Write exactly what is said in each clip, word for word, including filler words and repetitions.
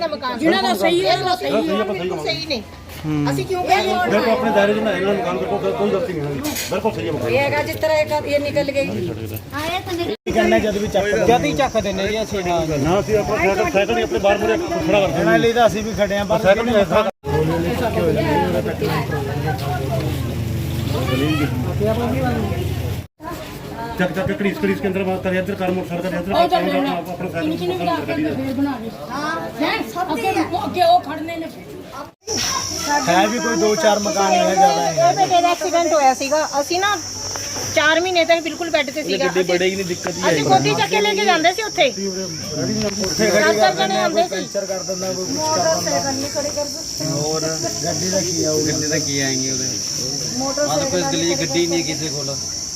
ਦਾ ਮਕਾਨ ਜਿਹਨਾਂ ਦਾ ਸਹੀ ਹੈ ਉਹ ਸਹੀ ਹੈ ਬਿਲਕੁਲ ਸਹੀ ਨੇ ਅਸੀਂ ਕਿਉਂ ਕਹਿੰਦੇ ਹਾਂ देखो अपने दायरे में ना मकान को कोई गलती नहीं है बिल्कुल सही है मकान ਇਹ ਹੈਗਾ ਜਿਸ ਤਰ੍ਹਾਂ ਇਹ ਇਹ ਨਿਕਲ ਗਈ ਆਏ ਤਾਂ ਕਹਿੰਦੇ ਜਦ ਵੀ ਚੱਕ ਜਦ ਹੀ ਚੱਕ ਦਿੰਦੇ ਜੀ ਅਸੀਂ ਹਾਂ ना ਅਸੀਂ ਆਪਣਾ ਸਾਈਕਲ ਸਾਈਕਲ ਹੀ ਆਪਣੇ ਬਾਹਰ ਮੂਰੇ ਖੜਾ ਕਰਦੇ ਇਹਨਾਂ ਲਈ ਤਾਂ ਅਸੀਂ ਵੀ ਖੜੇ ਆਂ ਪਰ ਸਾਈਕਲ ਨਹੀਂ ਐਸਾ ਚੱਕ ਚੱਕ ਕਰੀਸ ਕਰੀਸ ਕੇ ਅੰਦਰ ਬਾਤ ਕਰ ਇੱਧਰ ਕਰ ਮੋਟਰ ਸਾਈਕਲ ਇੱਧਰ ਆਪਣਾ ਸਾਈਕਲ ਬਣਾ ਦੇ ਹਾਂ ਸਭ ਅੱਗੇ ਅੱਗੇ ਉਹ ਖੜਨੇ ਨੇ ਹੈ ਵੀ ਕੋਈ ਦੋ ਚਾਰ ਮਕਾਨ ਹੀ ਹੈ ਜ਼ਿਆਦਾ ਹੈ। ਇਹ ਬੇਟੇ ਦਾ ਐਕਸੀਡੈਂਟ ਹੋਇਆ ਸੀਗਾ ਅਸੀਂ ਨਾ ਚਾਰ ਮਹੀਨੇ ਤੱਕ ਬਿਲਕੁਲ ਬੈੱਡ ਤੇ ਸੀਗਾ ਗੱਡੀ ਬੜੇਗੀ ਨਹੀਂ ਦਿੱਕਤ ਹੀ ਅਸੀਂ ਗੋਦੀ ਚੱਕ ਕੇ ਲੈ ਕੇ ਜਾਂਦੇ ਸੀ ਉੱਥੇ ਉੱਥੇ ਚਾਰ ਗੱਡੀ ਚਾਰ ਜਣੇ ਆਉਂਦੇ ਸੀ ਪੈਂਚਰ ਕਰ ਦਿੰਦਾ ਕੋਈ ਕੁਝ ਕਰ ਦਿੰਦਾ ਨਹੀਂ ਖੜੇ ਕਰ ਹੋਰ ਗੱਡੀ ਦਾ ਕੀ ਆਊਗਾ ਗੱਡੀ ਦਾ ਕੀ ਆਏਗੇ ਉਹਦੇ ਮੋਟਰਸਾਈਕਲ ਕੋਈ ਗਲੀ ਗੱਡੀ ਨਹੀਂ ਕਿਸੇ ਕੋਲ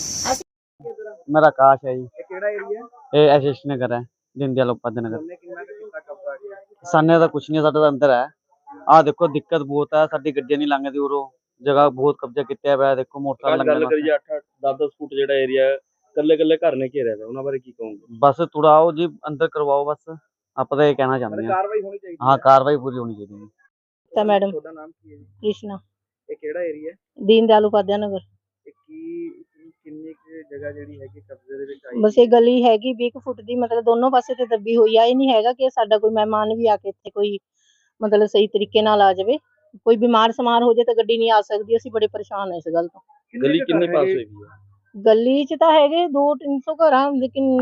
मेरा आकाश है जी ਇਹ ਕਿਹੜਾ ਏਰੀਆ ये एशिश नगर है दीनदयाल उपाध्याय नगर ਉਹਨੇ ਕਿੰਨਾ ਕੁ ਕੀਤਾ ਕਬਜ਼ਾ ਕੀਤਾ साने का कुछ नहीं साडा अंदर है आ देखो दिक्कत बहुत है साडी गड्डियां नहीं लंघदी उरो जगह बहुत कब्जा किया हुआ है देखो मोटरसाइकिल ਗੱਲ लंघने ਕਰੀਏ ਅੱਠ ਦਸ ਦਸ ਫੁੱਟ ਜਿਹੜਾ ਏਰੀਆ ਕੱਲੇ ਕੱਲੇ ਘਰ ਨੇ ਘੇਰਿਆ ਹੋਇਆ ਉਹਨਾਂ ਬਾਰੇ ਕੀ ਕਹੋਗੇ बस तुड़ाओ जी अंदर करवाओ बस आप तो ये कहना चाहते हैं ਕਾਰਵਾਈ ਹੋਣੀ ਚਾਹੀਦੀ हाँ कार्रवाई पूरी होनी चाहिए ਤਾਂ ਮੈਡਮ ਤੁਹਾਡਾ ਨਾਮ ਕੀ ਹੈ ਜੀ ਕ੍ਰਿਸ਼ਨਾ ਇਹ ਕਿਹੜਾ ਏਰੀਆ ਦੀਨ ਦਿਆਲ ਉਪਾਧਿਆਏ ਨਗਰ ਤੇ ਕੀ ਕਿੰਨੀ ਕੁ ਜਗ੍ਹਾ ਜਿਹੜੀ ਹੈਗੀ ਕਬਜ਼ੇ ਦੇ ਵਿੱਚ ਆਈ ਬਸ ਇਹ ਗਲੀ ਹੈਗੀ ਵੀਹ ਕੁ ਫੁੱਟ ਦੀ ਮਤਲਬ ਦੋਨੋਂ ਪਾਸੇ ਤੇ ਦੱਬੀ ਹੋਈ ਆ ਇਹ ਨਹੀਂ ਹੈਗਾ ਕਿ ਸਾਡਾ ਕੋਈ ਮਹਿਮਾਨ ਵੀ ਆ ਕੇ ਇੱਥੇ ਕੋਈ ਮਤਲਬ ਸਹੀ ਤਰੀਕੇ ਨਾਲ ਆ ਜਾਵੇ ਕੋਈ ਬਿਮਾਰ ਸਮਾਰ ਹੋ ਜਾਏ ਤਾਂ ਗੱਡੀ ਨਹੀਂ ਆ ਸਕਦੀ ਅਸੀਂ ਬੜੇ ਪਰੇਸ਼ਾਨ ਹਾਂ ਇਸ ਗੱਲ ਤੋਂ ਗਲੀ ਕਿੰਨੇ ਪਾਸ ਹੋਈ ਹੈ ਗਲੀ 'ਚ ਤਾਂ ਹੈਗੇ ਦੋ ਤਿੰਨ ਸੌ ਘਰ ਆ ਲੇਕਿਨ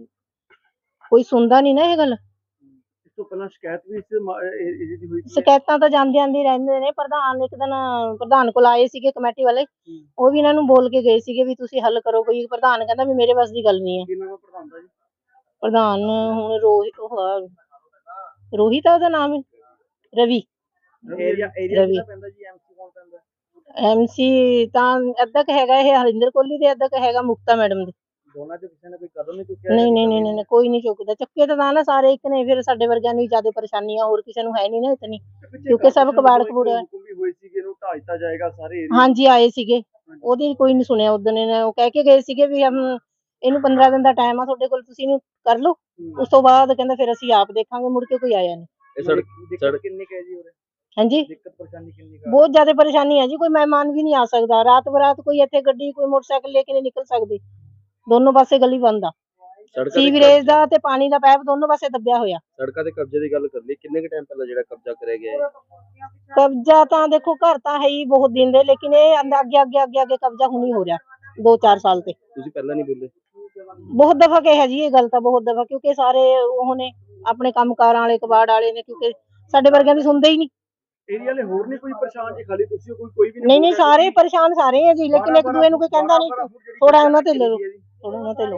ਕੋਈ ਸੁਣਦਾ ਨਹੀਂ ਨਾ ਇਹ ਗੱਲ ਇਸ ਤੋਂ ਪਹਿਲਾਂ ਸ਼ਿਕਾਇਤ ਵੀ ਇਸ ਮਾ- ਇਹ- ਇਹਦੀ ਦੀ ਹੋਈ ਸੀ ਸ਼ਿਕਾਇਤਾਂ ਤਾਂ ਜਾਂਦੇ ਆਂਦੇ ਹੀ ਰਹਿੰਦੇ ਨੇ ਪ੍ਰਧਾਨ ਇੱਕ ਦਿਨ ਪ੍ਰਧਾਨ ਕੋਲ ਆਏ ਸੀਗੇ ਕਮੇਟੀ ਵਾਲੇ ਉਹ ਵੀ ਇਹਨਾਂ ਨੂੰ ਬੋਲ ਕੇ ਗਏ ਸੀਗੇ ਵੀ ਤੁਸੀਂ ਹੱਲ ਕਰੋ ਕੋਈ ਪ੍ਰਧਾਨ ਕਹਿੰਦਾ ਵੀ ਮੇਰੇ ਵੱਸ ਦੀ ਗੱਲ ਨਹੀਂ ਹੈ ਕੀ ਨਾਮ ਪ੍ਰਧਾਨ ਦਾ ਜੀ ਪ੍ਰਧਾਨ ਹੁਣ ਰੋਹਿਤ ਉਹ ਆ, ਰੋਹਿਤ ਆ ਉਹਦਾ ਨਾਮ ਰਵੀ ਏਰੀਆ ਏਰੀਆ ਰਵੀ। ਕਿਹੜਾ ਪੈਂਦਾ ਜੀ ਐਮਸੀ ਕੌਣ ਪੈਂਦਾ ਐਮਸੀ ਤਾਂ ਅੱਧਾ ਕੁ ਹੈਗਾ ਇਹ ਹਰਿੰਦਰ ਕੋਹਲੀ ਦੇ ਅੱਧਾ ਕੁ ਹੈਗਾ ਮੁਕਤਾ ਮੈਡਮ ਦੇ ਦੋਨਾਂ ਚ ਕਿਸੇ ਨੇ ਕੋਈ ਕਦਮ ਨਹੀਂ ਚੁੱਕਿਆ ਨਹੀਂ ਨਹੀਂ ਨਹੀਂ ਨਹੀਂ ਕੋਈ ਨਹੀਂ ਚੁੱਕਦਾ ਚੱਕੇ ਤਾਂ ਨਾ ਸਾਰੇ ਇੱਕ ਨੇ ਫਿਰ ਸਾਡੇ ਵਰਗਿਆਂ ਨੂੰ ਹੀ ਜ਼ਿਆਦਾ ਪਰੇਸ਼ਾਨੀ ਆ ਹੋਰ ਕਿਸੇ ਨੂੰ ਹੈ ਨਹੀਂ ਨਾ ਇਤਨੀ ਕਿਉਂਕਿ ਸਭ ਕਬਾੜ ਕਬੂੜ ਹੈ। ਹੁਕਮ ਵੀ ਹੋਈ ਸੀ ਕਿ ਇਹਨੂੰ ਢਾਹ ਦਿੱਤਾ ਜਾਏਗਾ ਸਾਰੇ ਏਰੀਆ ਹਾਂਜੀ ਆਏ ਸੀਗੇ ਉਹਦੀ ਕੋਈ ਨਹੀਂ ਸੁਣਿਆ ਉਦੋਂ ਨੇ ਉਹ ਕਹਿ ਕੇ ਗਏ ਸੀਗੇ ਵੀ ਹਮ ਇਹਨੂੰ ਪੰਦਰਾਂ ਦਿਨ ਦਾ ਟਾਈਮ ਆ ਤੁਹਾਡੇ ਕੋਲ ਤੁਸੀਂ ਇਹਨੂੰ ਕਰ ਲਓ ਉਸ ਤੋਂ ਬਾਅਦ ਕਹਿੰਦਾ ਫਿਰ ਅਸੀਂ ਆਪ ਦੇਖਾਂਗੇ ਮੁੜ ਕੇ ਕੋਈ ਆਇਆ ਨਹੀਂ ਇਹ ਸੜਕ ਦਿੱਕਤ ਕਿੰਨੀ ਕੁ ਹੈ ਜੀ ਉਰੇ ਹਾਂਜੀ ਦਿੱਕਤ ਪਰੇਸ਼ਾਨੀ ਕਿੰਨੀ ਕੁ ਆ? ਬਹੁਤ ਜ਼ਿਆਦਾ ਪਰੇਸ਼ਾਨੀ ਹੈ ਜੀ ਕੋਈ ਮਹਿਮਾਨ ਵੀ ਨਹੀਂ ਆ ਸਕਦਾ ਰਾਤ ਬਰਾਤ ਕੋਈ ਇੱਥੇ ਗੱਡੀ ਕੋਈ ਮੋਟਰਸਾਈਕਲ ਲੈ ਕੇ ਨਹੀਂ ਨਿਕਲ ਸਕਦੀ ਦੋਨੋਂ ਪਾਸੇ ਗਲੀ ਬੰਦ ਆ ਸੜਕਾਂ ਤੇ ਸੀਵਰੇਜ ਦਾ ਤੇ ਪਾਣੀ ਦਾ ਪਾਈਪ ਦੋਨੋਂ ਪਾਸੇ ਦੱਬਿਆ ਹੋਇਆ ਸੜਕਾਂ ਦੇ ਕਬਜ਼ੇ ਦੀ ਗੱਲ ਕਰ ਲਈ ਕਿੰਨੇ ਕੁ ਟਾਈਮ ਪਹਿਲਾਂ ਜਿਹੜਾ ਕਬਜ਼ਾ ਕਰਿਆ ਗਿਆ ਹੈ ਕਬਜ਼ਾ ਤਾਂ ਦੇਖੋ ਘਰ ਤਾਂ ਹੈ ਹੀ ਬਹੁਤ ਦਿਨ ਦੇ ਲੇਕਿਨ ਇਹ ਅੰਦਰ ਅੱਗੇ ਅੱਗੇ ਅੱਗੇ ਅੱਗੇ ਕਬਜ਼ਾ ਹੁਣੀ ਹੋ ਰਿਹਾ ਦੋ ਚਾਰ ਸਾਲ ਤੇ ਤੁਸੀਂ ਪਹਿਲਾਂ ਨਹੀਂ ਬੋਲੇ ਬਹੁਤ ਦਫਾ ਕਿਹਾ ਜੀ ਇਹ ਗੱਲ ਤਾਂ ਬਹੁਤ ਦਫਾ ਕਿਉਂਕਿ ਸਾਰੇ ਉਹ ਨੇ ਆਪਣੇ ਕੰਮਕਾਰਾਂ ਵਾਲੇ ਕਬਾੜ ਵਾਲੇ ਨੇ ਕਿਉਂਕਿ ਸਾਡੇ ਵਰਗਿਆਂ ਦੀ ਸੁਣਦੇ ਹੀ ਨਹੀਂ ਏਰੀਆ ਵਾਲੇ ਹੋਰ ਨਹੀਂ ਕੋਈ ਪਰੇਸ਼ਾਨ ਜੀ ਖਾਲੀ ਤੁਸੀਂ ਕੋਈ ਕੋਈ ਵੀ ਨਹੀਂ ਨਹੀਂ ਸਾਰੇ ਪਰੇਸ਼ਾਨ ਸਾਰੇ ਆ ਜੀ ਲੇਕਿਨ ਇੱਕ ਦੂਏ ਨੂੰ ਕੋਈ ਕਹਿੰਦਾ ਨਹੀਂ ਥੋੜਾ ਉਹਨਾਂ ਤੇ ਲੈ ਲਓ ਥੋੜਾ ਉਹਨਾਂ ਤੇ ਲਓ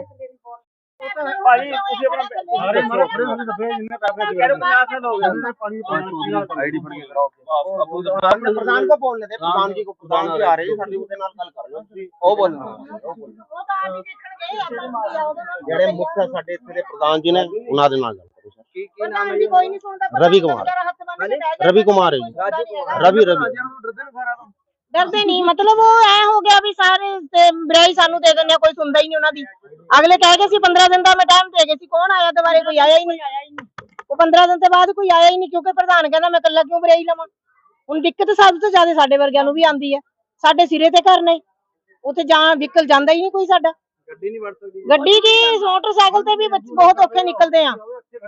ਭਾਈ ਤੁਸੀਂ ਆਪਣਾ ਸਾਰੇ ਮਾਰੇ ਖੜੇ ਹੋ ਦੱਬੇ ਜਿੰਨੇ ਪੈਸੇ ਦੇ ਪੰਜਾਹ ਸਾਲ ਹੋ ਗਏ ਪਾਣੀ ਪਾਣੀ ਆਈਡੀ ਫੜ ਕੇ ਕਰਾਓ प्रधान को बोलने थे प्रधान जी को प्रधान जी आ रहे हैं साडी उनके नाल गल कर लो ओ बोलना ਉਹ ਤਾਂ ਆਪ ਹੀ ਦੇਖਣ ਗਏ ਆਪਾਂ ਜਿਹੜੇ ਮੁੱਖ ਸਾਡੇ ਇੱਥੇ ਦੇ ਪ੍ਰਧਾਨ ਜੀ ਨੇ ਉਹਨਾਂ ਦੇ ਨਾਲ ਗੱਲ ਕਰੋ ਸਰ ਕੀ ਕੀ ਨਾਮ ਪ੍ਰਧਾਨ ਜੀ ਕੋਈ ਨਹੀਂ ਸੁਣਦਾ ਰਵੀ ਕੁਮਾਰ। ਰਵੀ ਕੁਮਾਰ ਹੈ ਜੀ ਰਵੀ ਰਵੀ ਡਰਦੇ ਨਹੀਂ ਮਤਲਬ ਉਹ ਐ ਹੋ ਗਿਆ ਵੀ ਸਾਰੇ ਤੇ ਬਰਾਈ ਸਾਨੂੰ ਦੇ ਦਿੰਦੇ ਆ ਕੋਈ ਸੁਣਦਾ ਹੀ ਨਹੀਂ ਉਹਨਾਂ ਦੀ ਅਗਲੇ ਕਹਿ ਗਏ ਸੀ ਪੰਦਰਾਂ ਦਿਨ ਦਾ ਮੈਂ ਟਾਈਮ ਦੇ ਗਏ ਸੀ ਕੌਣ ਆਇਆ ਦੁਬਾਰੇ ਕੋਈ ਆਇਆ ਹੀ ਨਹੀਂ ਉਹ ਪੰਦਰਾਂ ਦਿਨ ਤੋਂ ਬਾਅਦ ਕੋਈ ਆਇਆ ਹੀ ਨਹੀਂ ਕਿਉਂਕਿ ਪ੍ਰਧਾਨ ਕਹਿੰਦਾ ਮੈਂ ਇਕੱਲਾ ਕਿਉਂ ਬਰਾਈ ਲਵਾਂ ਹੁਣ ਦਿੱਕਤ ਸਭ ਤੋਂ ਜ਼ਿਆਦਾ ਸਾਡੇ ਵਰਗਿਆਂ ਨੂੰ ਵੀ ਆਉਂਦੀ ਹੈ ਸਾਡੇ ਸਿਰੇ ਤੇ ਘਰ ਨੇ ਉੱਥੇ ਜਾਂ ਵਹੀਕਲ ਜਾਂਦਾ ਹੀ ਨਹੀਂ ਕੋਈ ਸਾਡਾ ਗੱਡੀ ਨਹੀਂ ਵੜ ਸਕਦੀ ਗੱਡੀ ਕੀ ਮੋਟਰਸਾਈਕਲ ਤੇ ਵੀ ਬੱਚੇ ਬਹੁਤ ਔਖੇ ਨਿਕਲਦੇ ਆ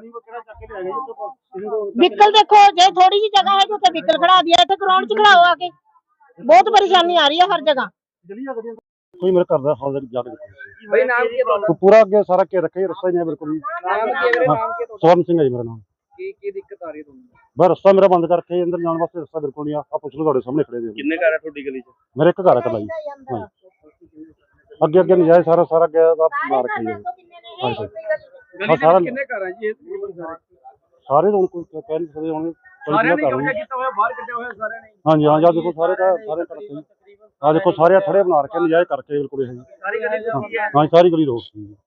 ਵਹੀਕਲ ਦੇਖੋ ਜੇ ਥੋੜੀ ਜਿਹੀ ਜਗ੍ਹਾ ਹੈ ਕਿ ਉੱਥੇ ਵਹੀਕਲ ਖੜਾ ਦਿਆ ਇੱਥੇ ਗਰਾਊਂਡ 'ਚ ਖੜਾਓ ਆ ਕੇ ਬਹੁਤ ਪਰੇਸ਼ਾਨੀ ਆ ਰਹੀ ਹੈ ਹਰ ਜਗ੍ਹਾ ਕੋਈ ਮੇਰੇ ਘਰ ਦਾ ਹਾਲ ਜਾ ਕੇ ਦੇਖੋ ਭਾਈ ਨਾਮ ਕੀ ਹੈ ਤੁਹਾਡਾ ਪੂਰਾ ਅੱਗੇ ਸਾਰਾ ਕੇ ਰੱਖੇ ਰਸਤਾ ਹੀ ਨਹੀਂ ਹੈ ਬਿਲਕੁਲ ਵੀ ਨਾਮ ਕੀ ਹੈ ਵੀਰੇ ਨਾਮ ਕੀ ਹੈ ਤੁਹਾਡਾ ਸਵਰਨ ਸਿੰਘ ਹੈ ਜੀ ਮੇਰਾ ਨਾਮ ਕੀ ਕੀ ਦਿੱਕਤ ਆ ਰਹੀ ਹੈ ਤੁਹਾਨੂੰ ਬਸ ਰਸਤਾ ਮੇਰਾ ਬੰਦ ਕਰਕੇ ਅੰਦਰ ਜਾਣ ਵਾਸਤੇ ਰਸਤਾ ਬਿਲਕੁਲ ਨਹੀਂ ਆ ਆਹ ਪੁੱਛ ਲਓ ਤੁਹਾਡੇ ਸਾਹਮਣੇ ਖੜੇ ਦੇ ਕਿੰਨੇ ਘਰ ਹੈ ਤੁਹਾਡੀ ਗਲੀ 'ਚ ਮੇਰੇ ਇੱਕ ਘਰ ਹੈ ਇਕੱਲਾ ਜੀ ਹਾਂਜੀ ਅੱਗੇ ਅੱਗੇ ਨਜਾਇਜ਼ ਸਾਰਾ ਸਾਰਾ ਗਿਆ ਦਾ ਬਣਾ ਰੱਖਿਆ ਜੀ ਹਾਂਜੀ ਗਲੀ ਸਾਰਾ ਦੇ ਕਿੰਨੇ ਘਰ ਹੈ ਜੀ ਇਹ ਤਕਰੀਬਨ ਸਾਰੇ ਸਾਰੇ ਹੁਣ ਕੋਈ ਕਹਿ ਨਹੀਂ ਸਕਦੇ ਹੁਣ ਸਾਰਿਆਂ ਨੇ ਘਰ ਕਬਜ਼ਾ ਨੇ ਕੀਤਾ ਹੋਇਆ ਬਾਹਰ ਕੱਢਿਆ ਹੋਇਆ ਸਾਰਿਆਂ ਨੇ ਹਾਂਜੀ ਹਾਂ ਜਾਂ ਦੇਖੋ ਸਾਰੇ ਤਾਂ ਸਾਰੇ ਤਰ੍ਹਾਂ ਆ ਦੇਖੋ ਸਾਰੇ ਥੜੇ ਬਣਾ ਰੱਖੇ ਨਜਾਇਜ਼ ਕਰਕੇ ਬਿਲਕੁਲ ਇਹ ਜੀ ਸਾਰੀ ਗਲੀ ਦੇ ਕੀ ਹੈ ਹਾਂ ਸਾਰੀ ਗਲੀ ਰੋਕ ਸੀ